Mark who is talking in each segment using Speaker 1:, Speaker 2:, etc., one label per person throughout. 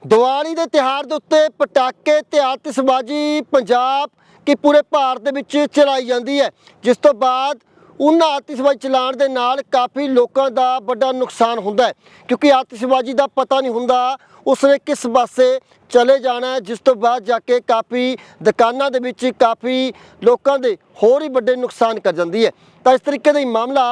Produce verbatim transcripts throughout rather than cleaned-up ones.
Speaker 1: ਦੀਵਾਲੀ ਦੇ ਤਿਉਹਾਰ ਦੇ ਉੱਤੇ ਪਟਾਕੇ ਤੇ ਆਤਿਸ਼ਬਾਜ਼ੀ ਪੰਜਾਬ ਕਿ ਪੂਰੇ ਭਾਰਤ ਦੇ ਵਿੱਚ ਚਲਾਈ ਜਾਂਦੀ ਹੈ, ਜਿਸ ਤੋਂ ਬਾਅਦ ਉਹਨਾਂ ਆਤਿਸ਼ਬਾਜ਼ੀ ਚਲਾਉਣ ਦੇ ਨਾਲ ਕਾਫੀ ਲੋਕਾਂ ਦਾ ਵੱਡਾ ਨੁਕਸਾਨ ਹੁੰਦਾ ਹੈ, ਕਿਉਂਕਿ ਆਤਿਸ਼ਬਾਜ਼ੀ ਦਾ ਪਤਾ ਨਹੀਂ ਹੁੰਦਾ ਉਸਨੇ ਕਿਸ ਪਾਸੇ ਚਲੇ ਜਾਣਾ है, जिस तो बाद जाके काफ़ी दुकानों के विच काफ़ी लोगों के होर ही बड़े नुकसान कर जाती है। तो इस तरीके का मामला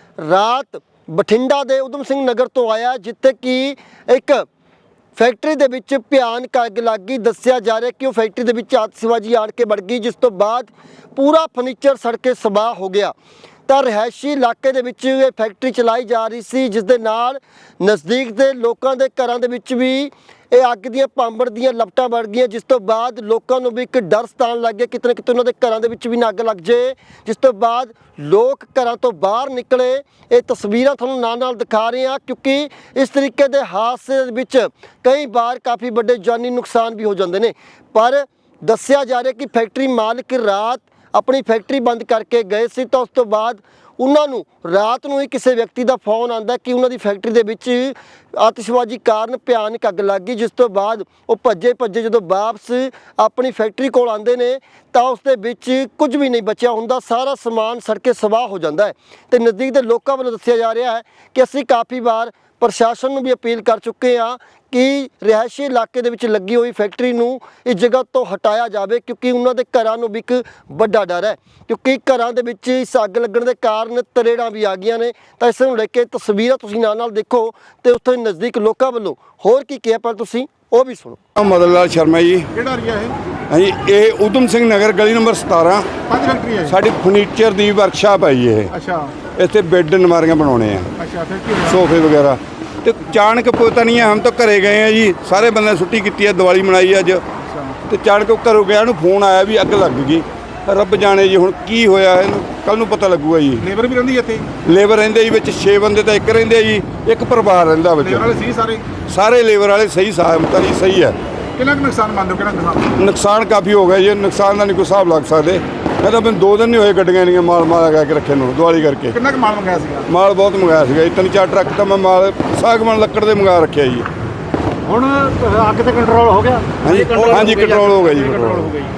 Speaker 1: रात बठिंडा के उधम सिंह नगर तो आया, जिथे कि एक फैक्ट्री के विच भयानक अग लग गई। दस्सिया जा रहा है कि वह फैक्ट्री के विच आतिशबाजी आड़ के बढ़ गई, जिस तो बाद पूरा फर्नीचर सड़ के सबाह हो गया। तो रिहायशी इलाके दे विच ये फैक्ट्री चलाई जा रही सी, जिस दे नाल नज़दीक के लोगों के घरों के विच भी ये अग दी पांबड़ दी लपटां बढ़ गई, जिस तो बाद लोगों को भी एक डर सतान लग गया कितने कितने उन्होंने घरों के विच भी ना अग लग जाए, जिस तो बाद लोग घरों तो बाहर निकले। ये तस्वीरां तुहानूं नाल नाल दिखा रहे हैं, क्योंकि इस तरीके के हादसे विच कई बार काफ़ी बड़े जानी नुकसान भी हो जाते हैं। पर दस्सिया जा रहा है कि फैक्ट्री मालिक रात अपनी फैक्ट्री बंद करके गए सी, तो उस तो बाद उन्होंने रात को ही किसी व्यक्ति का फोन आता कि उन्होंने फैक्ट्री के विच आतिशबाजी कारण भयानक अग लग गई, जिस तो बाद वो भज्जे भज्जे जो वापस अपनी फैक्ट्री को आते हैं तो उसके विच कुछ भी नहीं बचा होंदा, सारा समान सड़ के सवाह हो जाता है। तो नज़दीक के लोगों वालों दस्सिया जा रहा है कि असीं काफ़ी बार प्रशासन में भी अपील कर चुके हैं कि रिहायशी इलाके दे विच लगी हुई फैक्ट्री नूं इस जगह तो हटाया जाए, क्योंकि उन्होंने घरों नूं भी एक बड़ा डर है, क्योंकि घरों दे विच इस अग लगण दे कारण तरेड़ां भी आ गईयां ने। तो इस नूं लेके तस्वीरां तुसीं नाल नाल देखो तो उत्थे नज़दीक लोगों वालों होर की किहा, पर तुसीं ਉਹ भी सुनो।
Speaker 2: मदन लाल शर्मा जी,
Speaker 3: ਕਿਹੜਾ ਏਰੀਆ ਹੈ?
Speaker 2: हाँ जी, ये उधम सिंह नगर गली नंबर सतारह
Speaker 3: ਪੰਜ ਫੈਕਟਰੀ ਹੈ।
Speaker 2: साड़ी फर्नीचर की वर्कशॉप है जी। ये
Speaker 3: ਅੱਛਾ
Speaker 2: इतने बेड अलमारियां बनाने हैं,
Speaker 3: ਅੱਛਾ ਫਿਰ ਕੀ ਹੋਇਆ?
Speaker 2: सोफे वगैरह। तो अचानक पता नहीं है, हम तो घरे गए हैं जी, सारे बंदे छुट्टी की है, दिवाली मनाई अज। तो अचानक घरों गया फोन आया भी अग लग गई। रब जाने जी हुण की होया है, कल नूं पता लगूगा जी।
Speaker 3: ਲੇਬਰ ਵੀ ਰਹਿੰਦੀ ਇੱਥੇ?
Speaker 2: लेबर रहिंदे जी विच छे बंदे तो एक रहिंदे जी, एक परिवार रहिंदा विच।
Speaker 3: ਲੇਬਰ ਵਾਲੇ ਸੀ ਸਾਰੇ?
Speaker 2: सारे लेबर वाले सही साहब जी, सही है।
Speaker 3: ਕਿੰਨਾ ਕੁ ਨੁਕਸਾਨ ਮੰਨਦੇ ਹੋ? ਕਿੰਨਾ ਨੁਕਸਾਨ?
Speaker 2: नुकसान काफ़ी हो गया जी, नुकसान का नहीं कोई हिसाब लग सकते। मैं तो मैंने दो दिन नहीं हुए गड्डियां नहीं माल माल लगा के रखे नूं दिवाली करके।
Speaker 3: ਕਿੰਨਾ ਕੁ ਮਾਲ ਮੰਗਾਇਆ ਸੀਗਾ?
Speaker 2: माल बहुत मंगाया सीगा जी, तीन चार ट्रक तो मैं माल सागवान लकड़ के मंगा रखे जी।
Speaker 3: ਹੁਣ ਅੱਗ ਤੇ ਕੰਟਰੋਲ ਹੋ ਗਿਆ?
Speaker 2: हाँ जी, हाँ जी, कंट्रोल हो गया जी, कंट्रोल
Speaker 3: ਹੋ ਗਈ।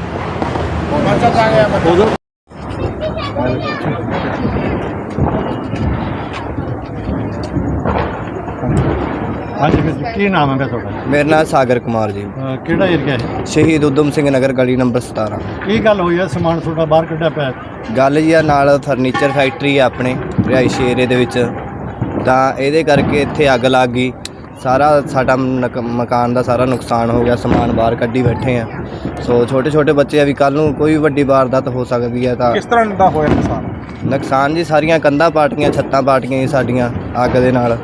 Speaker 3: ਬੱਚਾ ਜਾ ਗਿਆ ਹਾਂਜੀ ਵੀਰ ਜੀ, ਕੀ ਨਾਮ ਹੈ ਤੁਹਾਡਾ?
Speaker 4: मेरा नाम सागर कुमार जी,
Speaker 3: ਅਹ ਕਿਹੜਾ ਏਰੀਆ ਹੈ?
Speaker 4: शहीद उधम सिंह नगर गली नंबर सतारह।
Speaker 3: ਕੀ ਗੱਲ ਹੋਈ ਹੈ? ਸਮਾਨ ਤੁਹਾਡਾ ਬਾਹਰ ਕੱਢਿਆ ਪਿਆ?
Speaker 4: ਗੱਲ ਜੀ ਆ ਨਾਲ ਫਰਨੀਚਰ ਫੈਕਟਰੀ ਆ ਆਪਣੇ ਰਿਹਾਇਸ਼ੀ ਏਰੀਏ ਦੇ ਵਿੱਚ, ਤਾਂ ਇਹਦੇ ਕਰਕੇ ਇੱਥੇ ਅੱਗ ਲੱਗ ਗਈ। ਸਾਰਾ ਸਾਡਾ ਨਕ- ਮਕਾਨ ਦਾ ਸਾਰਾ ਨੁਕਸਾਨ ਹੋ ਗਿਆ, ਸਮਾਨ ਬਾਹਰ ਕੱਢੀ ਬੈਠੇ ਆ। ਸੋ ਛੋਟੇ ਛੋਟੇ ਬੱਚੇ ਆ ਵੀ ਕੱਲ ਨੂੰ ਕੋਈ ਵੱਡੀ ਵਾਰਦਾਤ ਹੋ ਸਕਦੀ ਹੈ। ਤਾਂ
Speaker 3: ਕਿਸ ਤਰ੍ਹਾਂ ਦਾ ਹੋਇਆ ਨੁਕਸਾਨ?
Speaker 4: ਨੁਕਸਾਨ ਜੀ ਸਾਰੀਆਂ ਕੰਧਾਂ ਪਾਟੀਆਂ, ਛੱਤਾਂ ਪਾਟੀਆਂ ਜੀ ਸਾਡੀਆਂ ਅੱਗ ਦੇ ਨਾਲ।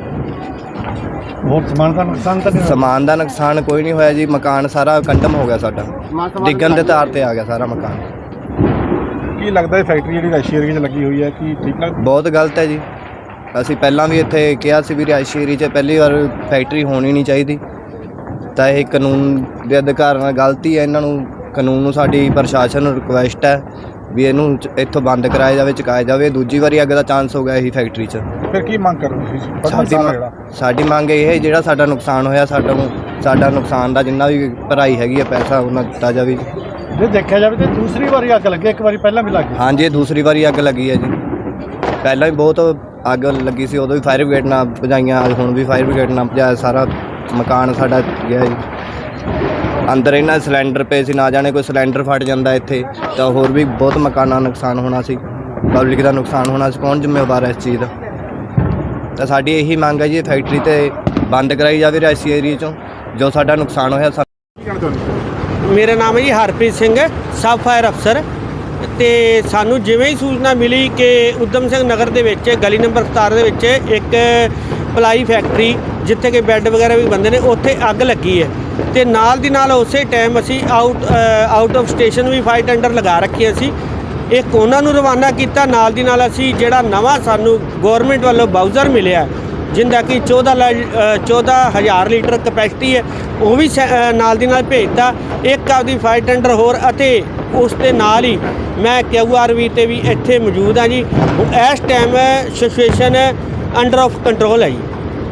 Speaker 3: ਹੋਰ ਸਮਾਨ ਦਾ ਨੁਕਸਾਨ ਤਾਂ ਨਹੀਂ ਹੋਇਆ?
Speaker 4: ਸਮਾਨ ਦਾ ਨੁਕਸਾਨ ਕੋਈ ਨਹੀਂ ਹੋਇਆ ਜੀ, ਮਕਾਨ ਸਾਰਾ ਕੰਡਮ ਹੋ ਗਿਆ ਸਾਡਾ, ਡਿੱਗਣ ਦੇ ਤਾਰ ਤੇ ਆ ਗਿਆ ਸਾਰਾ ਮਕਾਨ।
Speaker 3: ਕੀ ਲੱਗਦਾ ਇਹ ਫੈਕਟਰੀ ਜਿਹੜੀ ਰਿਹਾਇਸ਼ੀ ਏਰੀਏ 'ਚ ਲੱਗੀ ਹੋਈ ਹੈ, ਕੀ ਠੀਕ ਲੱਗਦਾ?
Speaker 4: ਬਹੁਤ ਗਲਤ ਹੈ ਜੀ। ਅਸੀਂ ਪਹਿਲਾਂ ਵੀ ਇੱਥੇ ਕਿਹਾ ਸੀ ਵੀ ਰਿਹਾਇਸ਼ੀ ਏਰੀਏ 'ਚ ਪਹਿਲੀ ਵਾਰ ਫੈਕਟਰੀ ਹੋਣੀ ਨਹੀਂ ਚਾਹੀਦੀ, ਤਾਂ ਇਹ ਕਾਨੂੰਨ ਦੇ ਅਧਿਕਾਰ ਨਾਲ ਗਲਤੀ ਹੈ। ਇਹਨਾਂ ਨੂੰ ਕਾਨੂੰਨ ਨੂੰ ਸਾਡੀ ਪ੍ਰਸ਼ਾਸਨ ਨੂੰ ਰਿਕੁਐਸਟ ਹੈ ਵੀ ਇਹਨੂੰ ਚ- ਇੱਥੋਂ ਬੰਦ ਕਰਾਇਆ ਜਾਵੇ, ਚੁਕਾਇਆ ਜਾਵੇ। ਦੂਜੀ ਵਾਰੀ ਅੱਗ ਦਾ ਚਾਂਸ ਹੋ ਗਿਆ ਇਹੀ ਫੈਕਟਰੀ 'ਚ।
Speaker 3: ਫਿਰ ਕੀ ਮੰਗ ਕਰਦੇ ਤੁਸੀਂ? ਬਸ
Speaker 4: ਸਾਡੀ
Speaker 3: ਨੁਕਸਾਨ
Speaker 4: ਮੰਗ-
Speaker 3: ਜਿਹੜਾ
Speaker 4: ਸਾਡੀ ਮੰਗ ਇਹ ਹੈ ਜਿਹੜਾ ਸਾਡਾ ਨੁਕਸਾਨ ਹੋਇਆ, ਸਾਡਾ ਨੂੰ ਸਾਡਾ ਨੁਕਸਾਨ ਦਾ ਜਿੰਨਾ ਵੀ ਭਰਾਈ ਹੈਗੀ ਹੈ ਪੈਸਾ ਉਹਨਾਂ ਦਿੱਤਾ ਜਾਵੇ।
Speaker 3: ਜੇ ਦੇਖਿਆ ਜਾਵੇ ਤਾਂ ਦੂਸਰੀ ਵਾਰੀ ਅੱਗ ਲੱਗੀ, ਇੱਕ ਵਾਰੀ ਪਹਿਲਾਂ ਵੀ ਲੱਗੀ।
Speaker 4: ਹਾਂਜੀ, ਇਹ ਦੂਸਰੀ ਵਾਰੀ ਅੱਗ ਲੱਗੀ ਹੈ ਜੀ। ਪਹਿਲਾਂ ਵੀ ਬਹੁਤ ਅੱਗ ਲੱਗੀ ਸੀ, ਉਦੋਂ ਵੀ ਫਾਇਰ ਬ੍ਰਿਗੇਡ ਨਾਲ ਭਜਾਈਆਂ, ਅੱਜ ਹੁਣ ਵੀ ਫਾਇਰ ਬ੍ਰਿਗੇਡ ਨਾਲ ਭਜਾਇਆ। ਸਾਰਾ ਮਕਾਨ ਸਾਡਾ ਗਿਆ ਜੀ। ਅੰਦਰ ਇਹਨਾਂ ਸਿਲੰਡਰ ਪਏ ਸੀ, ਨਾ ਜਾਣੇ ਕੋਈ ਸਿਲੰਡਰ ਫਟ ਜਾਂਦਾ ਇੱਥੇ ਤਾਂ ਹੋਰ ਵੀ ਬਹੁਤ ਮਕਾਨਾਂ ਦਾ ਨੁਕਸਾਨ ਹੋਣਾ ਸੀ, ਪਬਲਿਕ ਦਾ ਨੁਕਸਾਨ ਹੋਣਾ ਸੀ। ਕੌਣ ਜ਼ਿੰਮੇਵਾਰ ਹੈ ਇਸ ਚੀਜ਼ ਦਾ? ਤਾਂ ਸਾਡੀ ਇਹੀ ਮੰਗ ਹੈ ਜੀ, ਫੈਕਟਰੀ ਤੇ ਬੰਦ ਕਰਾਈ ਜਾਵੇ ਰਿਹਾਇਸ਼ੀ ਏਰੀਏ 'ਚੋਂ, ਜੋ ਸਾਡਾ ਨੁਕਸਾਨ ਹੋਇਆ।
Speaker 3: ਕੀ ਕਹਿਣਾ ਚਾਹੁੰਦੇ?
Speaker 5: ਮੇਰਾ ਨਾਮ ਹੈ ਜੀ ਹਰਪ੍ਰੀਤ ਸਿੰਘ, ਸਬ ਫਾਇਰ ਅਫਸਰ। ਤੇ ਸਾਨੂੰ ਜਿਵੇਂ ਹੀ ਸੂਚਨਾ ਮਿਲੀ ਕਿ ਉਧਮ ਸਿੰਘ ਨਗਰ ਦੇ ਵਿੱਚ ਗਲੀ ਨੰਬਰ ਸਤਾਰ੍ਹਾਂ ਦੇ ਵਿੱਚ ਇੱਕ ਪਲਾਈ ਫੈਕਟਰੀ ਜਿੱਥੇ ਕਿ ਬੈੱਡ ਵਗੈਰਾ ਵੀ ਬਣਦੇ ਨੇ, ਉੱਥੇ ਅੱਗ ਲੱਗੀ ਹੈ। ਤੇ ਨਾਲ ਦੀ ਨਾਲ ਉਸੇ ਟਾਈਮ ਅਸੀਂ ਆਊਟ ਆਊਟ ਆਫ ਸਟੇਸ਼ਨ ਵੀ ਫਾਇਰ ਟੈਂਡਰ ਲਗਾ ਰੱਖੀਆਂ ਸੀ, ਇੱਕ ਉਹਨਾਂ ਨੂੰ ਰਵਾਨਾ ਕੀਤਾ। ਨਾਲ ਦੀ ਨਾਲ ਅਸੀਂ ਜਿਹੜਾ ਨਵਾਂ ਸਾਨੂੰ ਗੌਰਮੈਂਟ ਵੱਲੋਂ ਬਾਊਜ਼ਰ ਮਿਲਿਆ ਜਿੰਦਾ ਕਿ ਚੌਦਾਂ ਚੌਦਾਂ ਹਜ਼ਾਰ ਲੀਟਰ ਕਪੈਸਿਟੀ ਹੈ, ਉਹ ਵੀ ਨਾਲ ਦੀ ਨਾਲ ਭੇਜਤਾ। ਇੱਕ ਆਪਦੀ ਫਾਇਰ ਟੈਂਡਰ ਹੋਰ ਅਤੇ ਉਸ ਦੇ ਨਾਲ ਹੀ ਮੈਂ ਕਿਊ ਆਰ ਵੀ ਤੇ ਵੀ ਇੱਥੇ ਮੌਜੂਦ ਹਾਂ ਜੀ। ਇਸ time situation under of control ਹੈ ਜੀ।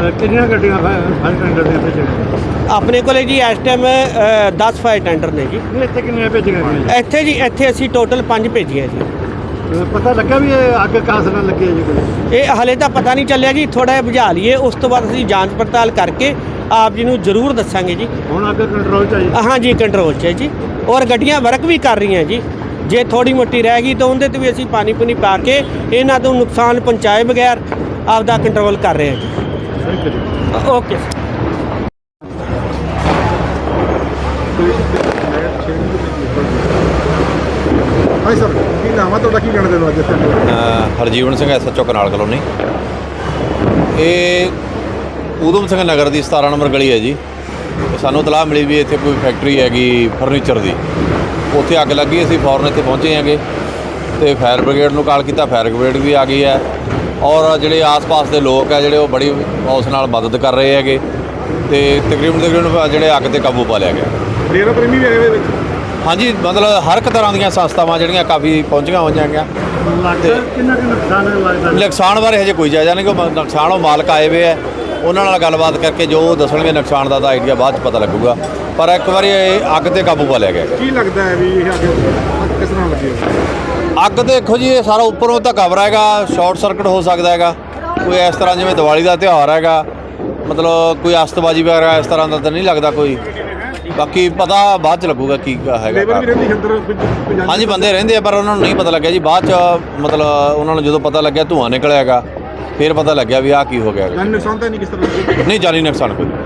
Speaker 3: ਕਿੰਨੀਆਂ ਗੱਡੀਆਂ ਫਾਇਰ ਟੈਂਡਰ ਦੇ ਭੇਜੀਆਂ
Speaker 5: ਆਪਣੇ ਕੋਲੇ ਜੀ ਇਸ ਟਾਈਮ ਦਸ ਫਾਇਰ ਟੈਂਡਰ ਨੇ ਜੀ।
Speaker 3: ਇੱਥੇ ਕਿੰਨੀਆਂ ਭੇਜੀਆਂ ਗਈਆਂ
Speaker 5: ਇੱਥੇ ਜੀ ਇੱਥੇ ਅਸੀਂ ਟੋਟਲ ਪੰਜ ਭੇਜੀਆਂ ਜੀ।
Speaker 3: ਜੀ ਪਤਾ ਲੱਗਾ ਵੀ ਇਹ ਅੱਗ ਕਾਸ ਨਾਲ ਲੱਗੀ ਹੈ ਜੀ ਕੋਈ?
Speaker 5: ਇਹ ਹਲੇ ਤਾਂ ਪਤਾ ਨਹੀਂ ਚੱਲਿਆ ਜੀ, ਥੋੜਾ ਜਿਹਾ ਬੁਝਾ ਲਈਏ, ਉਸ ਤੋਂ ਬਾਅਦ ਅਸੀਂ ਜਾਂਚ ਪੜਤਾਲ ਕਰਕੇ ਆਪ ਜੀ ਨੂੰ ਜ਼ਰੂਰ ਦੱਸਾਂਗੇ ਜੀ।
Speaker 3: ਹੁਣ ਅੱਗ ਕੰਟਰੋਲ 'ਚ ਆਈ?
Speaker 5: ਹਾਂ ਜੀ, ਕੰਟਰੋਲ 'ਚ ਹੈ ਜੀ, ਔਰ ਗੱਡੀਆਂ ਵਰਕ ਵੀ ਕਰ ਰਹੀਆਂ ਜੀ। ਜੇ ਥੋੜੀ ਮੋਟੀ ਰਹਿ ਗਈ ਤਾਂ ਉਹਦੇ ਤੇ ਵੀ ਅਸੀਂ ਪਾਣੀ ਪੁਣੀ ਪਾ ਕੇ ਇਹਨਾਂ ਤੋਂ ਨੁਕਸਾਨ ਪਹੁੰਚਾਏ ਬਗੈਰ ਆਪਦਾ ਕੰਟਰੋਲ ਕਰ ਰਹੇ ਹਾਂ ਜੀ।
Speaker 3: ਥੈਂਕ ਯੂ ਜੀ।
Speaker 5: ਓਕੇ।
Speaker 3: ਹਾਂ ਸਰ, ਕੀ ਨਾਮ ਆ ਤੁਹਾਡਾ, ਕੀ ਕਹਿਣਾ ਚਾਹੁੰਦੇ ਹੋ ਅੱਜ ਇੱਥੇ?
Speaker 6: ਅ, Harjeevan Singh S H O canal colony. ਇਹ ਊਧਮ ਸਿੰਘ ਨਗਰ ਦੀ ਸਤਾਰਾਂ ਨੰਬਰ ਗਲੀ ਹੈ ਜੀ। ਤੇ ਸਾਨੂੰ ਇਤਲਾਹ ਮਿਲੀ ਵੀ ਇੱਥੇ ਕੋਈ ਫੈਕਟਰੀ ਹੈਗੀ ਫਰਨੀਚਰ ਦੀ, ਉੱਥੇ ਅੱਗ ਲੱਗੀ। ਅਸੀਂ ਫੌਰਨ ਇੱਥੇ ਪਹੁੰਚੇ ਹੈਗੇ ਤੇ ਫਾਇਰ ਬ੍ਰਿਗੇਡ ਨੂੰ ਕਾਲ ਕੀਤਾ, ਫਾਇਰ ਬ੍ਰਿਗੇਡ ਵੀ ਆ ਗਈ ਹੈ ਔਰ ਜਿਹੜੇ ਆਸ-ਪਾਸ ਦੇ ਲੋਕ ਹੈ ਜਿਹੜੇ ਉਹ ਬੜੀ ਉਸ ਨਾਲ ਮਦਦ ਕਰ ਰਹੇ ਹੈਗੇ ਤੇ ਤਕਰੀਬਨ ਤਕਰੀਬਨ ਜਿਹੜੇ ਅੱਗ 'ਤੇ ਕਾਬੂ ਪਾ ਲਿਆ ਗਿਆ।
Speaker 3: ਡੇਰਾ ਪ੍ਰੇਮੀ ਵੀ ਇਹਦੇ ਵਿੱਚ?
Speaker 6: ਹਾਂਜੀ, ਮਤਲਬ ਹਰ ਇੱਕ ਤਰ੍ਹਾਂ ਦੀਆਂ ਸੰਸਥਾਵਾਂ ਜਿਹੜੀਆਂ ਕਾਫੀ ਪਹੁੰਚੀਆਂ ਹੋਈਆਂ ਹੈਗੀਆਂ।
Speaker 3: ਲੱਗਦਾ ਕਿੰਨਾ ਕੁ ਨੁਕਸਾਨ ਲੱਗਦਾ?
Speaker 6: ਨੁਕਸਾਨ ਬਾਰੇ ਹਜੇ ਕੋਈ ਜਾਇਜ਼ਾ ਨਹੀਂ, ਕਿ ਨੁਕਸਾਨ ਉਹ ਮਾਲਕ ਆਏ ਹੋਏ ਹੈ, ਉਹਨਾਂ ਨਾਲ ਗੱਲਬਾਤ ਕਰਕੇ ਜੋ ਉਹ ਦੱਸਣਗੇ ਨੁਕਸਾਨ ਦਾ ਤਾਂ ਆਈਡੀਆ ਬਾਅਦ 'ਚ ਪਤਾ ਲੱਗੂਗਾ, ਪਰ ਇੱਕ ਵਾਰੀ ਇਹ ਅੱਗ 'ਤੇ ਕਾਬੂ ਪਾ ਲਿਆ ਗਿਆ।
Speaker 3: ਕੀ ਲੱਗਦਾ ਹੈ ਵੀ ਇਹ ਅੱਗ ਕਿਸ ਤਰ੍ਹਾਂ ਲੱਗੀ ਹੋਈ?
Speaker 6: ਅੱਗ ਦੇਖੋ ਜੀ, ਇਹ ਸਾਰਾ ਉੱਪਰੋਂ ਤਾਂ ਕਵਰ ਹੈਗਾ, ਸ਼ਾਰਟ ਸਰਕਟ ਹੋ ਸਕਦਾ ਹੈਗਾ ਕੋਈ, ਇਸ ਤਰ੍ਹਾਂ ਜਿਵੇਂ ਦੀਵਾਲੀ ਦਾ ਤਿਉਹਾਰ ਹੈਗਾ, ਮਤਲਬ ਕੋਈ ਅਸਤਬਾਜੀ ਵਗੈਰਾ ਇਸ ਤਰ੍ਹਾਂ ਦਾ ਤਾਂ ਨਹੀਂ ਲੱਗਦਾ ਕੋਈ। ਬਾਕੀ ਪਤਾ ਬਾਅਦ 'ਚ ਲੱਗੂਗਾ ਕੀ ਹੈਗਾ।
Speaker 3: ਲੇਬਰ ਵੀ ਰਹਿੰਦੀ ਅੰਦਰ? ਕੋਈ-
Speaker 6: ਹਾਂਜੀ, ਬੰਦੇ ਰਹਿੰਦੇ ਆ ਪਰ ਉਹਨਾਂ ਨੂੰ ਨਹੀਂ ਪਤਾ ਲੱਗਿਆ ਜੀ। ਬਾਅਦ 'ਚ ਮਤਲਬ ਉਹਨਾਂ ਨੂੰ ਜਦੋਂ ਪਤਾ ਲੱਗਿਆ ਧੂੰਆਂ ਨਿਕਲਿਆ ਹੈਗਾ, ਫਿਰ ਪਤਾ ਲੱਗਿਆ ਵੀ ਆਹ ਕੀ ਹੋ ਗਿਆ ਹੈਗਾ।
Speaker 3: ਜਾਨੀ ਨੁਕਸਾਨ ਤਾਂ ਨਹੀਂ ਕਿਸ ਤਰ੍ਹਾਂ?
Speaker 6: ਨਹੀਂ, ਜਾਨੀ ਨੁਕਸਾਨ ਕੋਈ।